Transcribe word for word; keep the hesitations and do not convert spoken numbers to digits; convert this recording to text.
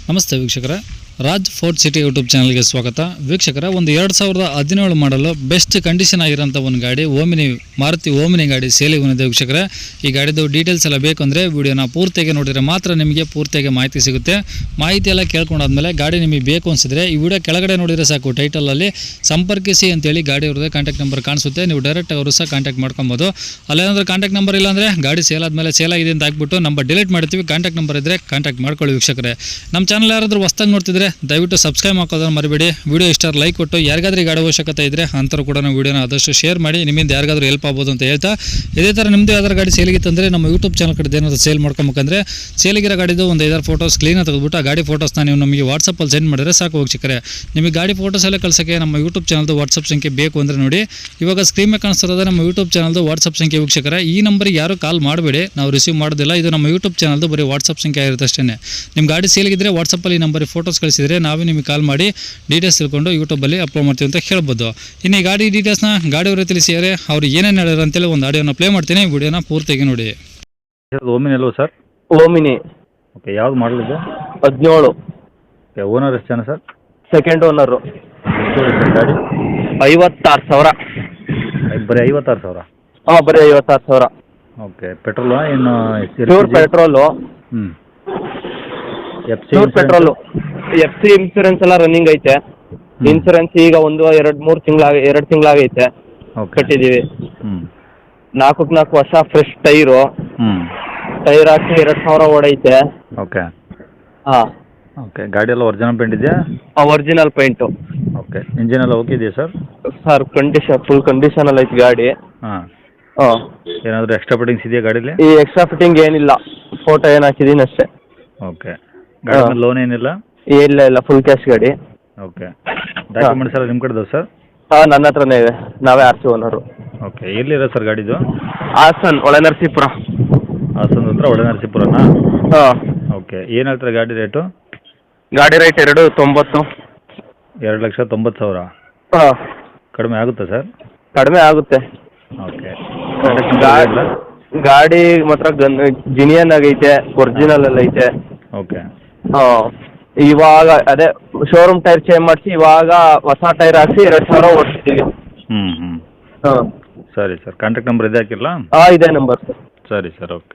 ನಮಸ್ತೆ ವೀಕ್ಷಕರೇ, Raj fort city YouTube ಚಾನಲ್ಗೆ ಸ್ವಾಗತ. ವೀಕ್ಷಕರ, ಒಂದು ಎರಡು ಸಾವಿರದ ಹದಿನೇಳು ಮಾಡಲು ಬೆಸ್ಟ್ ಕಂಡೀಷನ್ ಆಗಿರೋಂಥ ಒಂದು ಗಾಡಿ ಓಮಿನಿ ಮಾರುತಿ ಓಮಿನಿ ಗಾಡಿ ಸೇಲಿಗೆ ಬಂದಿದೆ. ವೀಕ್ಷಕರೇ, ಈ ಗಾಡಿದು ಡೀಟೇಲ್ಸ್ ಎಲ್ಲ ಬೇಕು ಅಂದರೆ ವಿಡಿಯೋನ ಪೂರ್ತಿಯಾಗಿ ನೋಡಿದರೆ ಮಾತ್ರ ನಿಮಗೆ ಪೂರ್ತಿಯಾಗಿ ಮಾಹಿತಿ ಸಿಗುತ್ತೆ. ಮಾಹಿತಿ ಎಲ್ಲ ಕೇಳ್ಕೊಂಡಾದ್ಮೇಲೆ ಗಾಡಿ ನಿಮಗೆ ಬೇಕು ಅನಿಸಿದ್ರೆ ಈ ವಿಡಿಯೋ ಕೆಳಗಡೆ ನೋಡಿದರೆ ಸಾಕು, ಟೈಟಲಲ್ಲಿ ಸಂಪರ್ಕಿಸಿ ಅಂತೇಳಿ ಗಾಡಿ ಅವ್ರದ್ದೇ ಕಾಂಟ್ಯಾಕ್ಟ್ ನಂಬರ್ ಕಾಣಿಸುತ್ತೆ. ನೀವು ಡೈರೆಕ್ಟ್ ಅವರು ಸಹ ಕಾಂಟ್ಯಾಕ್ಟ್ ಮಾಡ್ಕೊಬೋದು. ಅಲ್ಲೇನಾದ್ರೂ ಕಾಂಟ್ಯಾಕ್ಟ್ ನಂಬರ್ ಇಲ್ಲ ಅಂದರೆ ಗಾಡಿ ಸೇಲ್ ಆದಮೇಲೆ ಸೇಲ್ ಆಗಿದೆ ಅಂತ ಹಾಕ್ಬಿಟ್ಟು ನಂಬರ್ ಡಿಲೀಟ್ ಮಾಡ್ತೀವಿ. ಕಾಂಟ್ಯಾಕ್ಟ್ ನಂಬರ್ ಇದ್ದರೆ ಕಾಂಟ್ಯಾಕ್ಟ್ ಮಾಡ್ಕೊಳ್ಳಿ. ವೀಕ್ಷಕರೇ, ನಮ್ಮ ಚಾನಲ್ ಯಾರಾದರೂ ಹೊಸ್ದಾಗಿ ನೋಡ್ತಿದ್ರೆ ದಯವಿಟ್ಟು ಸಬ್ಸ್ಕ್ರೈಬ್ ಹಾಕೋದನ್ನು ಮರಿಬೇಡಿ. ವಿಡಿಯೋ ಇಷ್ಟ ಲೈಕ್ ಕೊಟ್ಟು ಯಾರಿಗಾದ್ರೂ ಗಾಡಿ ಅವಶ್ಯಕತೆ ಇದ್ದರೆ ಅಂಥವ್ರು ಕೂಡ ನಾವು ವಿಡಿಯೋನ ಆದಷ್ಟು ಶೇರ್ ಮಾಡಿ, ನಿಮ್ಮಿಂದ ಯಾರಿಗಾದ್ರೂ ಹೆಲ್ಪ್ ಆಗ್ಬೋದು ಅಂತ ಹೇಳ್ತಾ, ಇದೇ ಥರ ನಿಮ್ಮದು ಯಾವ್ದಾರು ಗಾಡಿ ಸೇಲಿಗಿತ್ತಂದರೆ ನಮ್ಮ ಯೂಟ್ಯೂಬ್ ಚಾನಲ್ ಕಡೆ ಏನಾದರೂ ಸೇಲ್ ಮಾಡ್ಕೊಬೇಕಂದ್ರೆ ಸೇಲಿಗಿರೋ ಗಾಡಿದು ಒಂದು ಐದಾರು ಫೋಟೋಸ್ ಕ್ಲೀನಾಗಿ ತೆಗೆದುಬಿಟ್ಟು ಆ ಗಾಡಿ ಫೋಟೋಸ್ನ ನೀವು ನಮಗೆ ವಾಟ್ಸಪ್ಪಲ್ಲಿ ಸೆಂಡ್ ಮಾಡಿದ್ರೆ ಸಾಕು. ವೀಕ್ಷಕರೇ, ನಿಮಗೆ ಗಾಡಿ ಫೋಟೋಸ್ ಎಲ್ಲ ಕಳ್ಸೋಕ್ಕೆ ನಮ್ಮ ಯೂಟ್ಯೂಬ್ ಚಾನಲ್ದು ವಾಟ್ಸಪ್ ಸಂಖ್ಯೆ ಬೇಕು ಅಂದರೆ ನೋಡಿ, ಇವಾಗ ಸ್ಕ್ರೀನ್ ಮೇಲೆ ಕಾಣಿಸ್ತಿರೋದು ನಮ್ಮ ಯೂಟ್ಯೂಬ್ ಚಾನಲ್ದು ವಾಟ್ಸಪ್ ಸಂಖ್ಯೆ. ವೀಕ್ಷಕರೇ, ಈ ನಂಬರಿಗೆ ಯಾರು ಕಾಲ್ ಮಾಡಬೇಡಿ, ನಾವು ರಿಸೀವ್ ಮಾಡೋದಿಲ್ಲ. ಇದು ನಮ್ಮ ಯೂಟ್ಯೂಬ್ ಚಾನಲ್ದು ಬರೀ ವಾಟ್ಸಪ್ ಸಂಖ್ಯೆ ಆಗಿರುತ್ತೆ ಅಷ್ಟೇ. ನಿಮ್ಮ ಗಾಡಿ ಸೇಲಿಗಿದ್ರೆ ವಾಟ್ಸಪ್ಪಲ್ಲಿ ಈ ನಂಬರಿಗೆ ಫೋಟೋಸ್ ಕಳಿಸಿದರೆ ನಾವೇ ನಿಮಗೆ ಕಾಲ್ ಮಾಡಿ ಡೀಟೇಲ್ಸ್ ತಿಳ್ಕೊಂಡು ಯೂಟ್ಯೂಬಲ್ಲಿ ಅಪ್ಲೋಡ್ ಮಾಡ್ತೀವಿ ಅಂತ ಹೇಳ್ಬೋದು. ಇನ್ನು ಈ ಗಾಡಿ ಡೀಟೇಲ್ಸ್ನ ಗಾಡಿಯವರು ತಿಳಿಸಿದರೆ ಅವ್ರು ಏನೇನು ಹೇಳ್ಯಾರ ಅಂತೇಳಿ ಒಂದು ಆಡಿಯೋನ ಪ್ಲೇ ಮಾಡ್ತೀನಿ, ವಿಡಿಯೋನ ಪೂರ್ತಿಯಾಗಿ ನೋಡಿ. ಓಮಿನಿ ಅಲ್ವ ಸರ್? ಓಮಿನಿ. ಓಕೆ, ಯಾವ್ದು ಮಾಡಲ್ ಇದೆ? ಹದಿನೇಳು. ಓಕೆ, ಓನರ್ ಎಷ್ಟು ಜನ ಸರ್? Second owner. ಗಾಡಿ ಐವತ್ತಾರು ಸಾವಿರ. ಬರೀ ಐವತ್ತಾರು ಸಾವಿರ? ಹಾಂ, ಬರೀ ಐವತ್ತಾರು ಸಾವಿರ. ಓಕೆ, ಪೆಟ್ರೋಲು ಏನು? Pure petrol. ಹ್ಞೂ. F C pure petrol. F C insurance ಎಲ್ಲ ರನ್ನಿಂಗ್ ಐತೆ. ಇನ್ಸೂರೆನ್ಸ್ ಈಗ ಒಂದು ಎರಡು ಮೂರು ತಿಂಗಳಾಗ ಎರಡು ತಿಂಗಳಾಗೈತೆ ಕಟ್ಟಿದ್ದೀವಿ. ಹ್ಞೂ. ನಾಲ್ಕಕ್ಕೆ ನಾಲ್ಕು ವರ್ಷ ಫ್ರೆಶ್ ಟೈರು. ಹ್ಞೂ. ಟೈರ್ ಹಾಕಿ ಎರಡು ಸಾವಿರ ಓಡೈತೆ. ಓಕೆ. ಹಾಂ. ಓಕೆ, ಗಾಡಿ ಎಲ್ಲ ಒರಿಜಿನಲ್ ಪೇಂಟ್ ಇದೆಯಾ? Original paint. ಓಕೆ, ಇಂಜಿನ್ ಎಲ್ಲ ಓಕೆ ಇದೆಯಾ ಸರ್? ಸರ್, ಕಂಡೀಷನ್ ಫುಲ್ ಕಂಡೀಷನಲ್ಲಿ ಐತೆ ಗಾಡಿ. ಹಾಂ. ಹಾಂ. ಏನಾದರೂ ಎಕ್ಸ್ಟ್ರಾ ಫಿಟ್ಟಿಂಗ್ಸ್ ಇದೆಯಾ ಗಾಡೀಲಿ? ಈ ಎಕ್ಸ್ಟ್ರಾ ಫಿಟ್ಟಿಂಗ್ ಏನಿಲ್ಲ, ಫೋಟೋ ಏನು ಹಾಕಿದ್ದೀನಿ ಅಷ್ಟೇ. ಓಕೆ, ಗಾಡಿ ಮೇಲೆ ಲೋನ್ ಏನಿಲ್ಲ? ಇಲ್ಲ ಇಲ್ಲ, ಫುಲ್ ಕ್ಯಾಶ್ ಗಾಡಿ. ಓಕೆ, ಡಾಕ್ಯುಮೆಂಟ್ಸ್ ಎಲ್ಲ ನಿಮ್ಮ ಕಡೆದವ ಸರ್? ಹಾಂ, ನನ್ನ ಹತ್ರನೇ ಇದೆ, ನಾವೇ ಆರ್ ಸಿ ಓನರು. ಓಕೆ, ಎಲ್ಲಿರೋ ಸರ್ ಗಾಡಿದು? ಹಾಸನ್, ಒಳನರಸೀಪುರ. ಹಾಸನ ಹತ್ರ ಒಳನರಸೀಪುರನಾ? ಹಾಂ. ಓಕೆ, ಏನು ಹೇಳ್ತಾರೆ ಗಾಡಿ ರೇಟು? ಗಾಡಿ ರೇಟ್ ಎರಡು ತೊಂಬತ್ತು. ಎರಡು ಲಕ್ಷ ತೊಂಬತ್ತು ಸಾವಿರ? ಹಾಂ. ಕಡಿಮೆ ಆಗುತ್ತಾ ಸರ್? ಕಡಿಮೆ ಆಗುತ್ತೆ. ಓಕೆ, ಗಾಡಿ ಮಾತ್ರ ಗನ್ ಜಿನಿಯನ್ ಆಗೈತೆ, ಒರಿಜಿನಲ್ ಎಲ್ಲ ಐತೆ. ಓಕೆ. ಹಾಂ, ಇವಾಗ ಅದೇ ಶೋರೂಮ್ ಟೈರ್ ಚೇಂಜ್ ಮಾಡಿಸಿ ಇವಾಗ ಹೊಸ ಟೈರ್ ಹಾಕಿ ಎರಡು ಸಾವಿರ ಓಡಿಸ್ತೀವಿ. ಹ್ಞೂ ಹ್ಞೂ. ಹಾಂ. ಸರಿ ಸರ್, ಕಾಂಟ್ಯಾಕ್ಟ್ ನಂಬರ್ ಇದೆ ಹಾಕಿರಲಾ? ಹಾಂ, ಇದೇ ನಂಬರ್ ಸರ್. ಸರಿ ಸರ್, ಓಕೆ.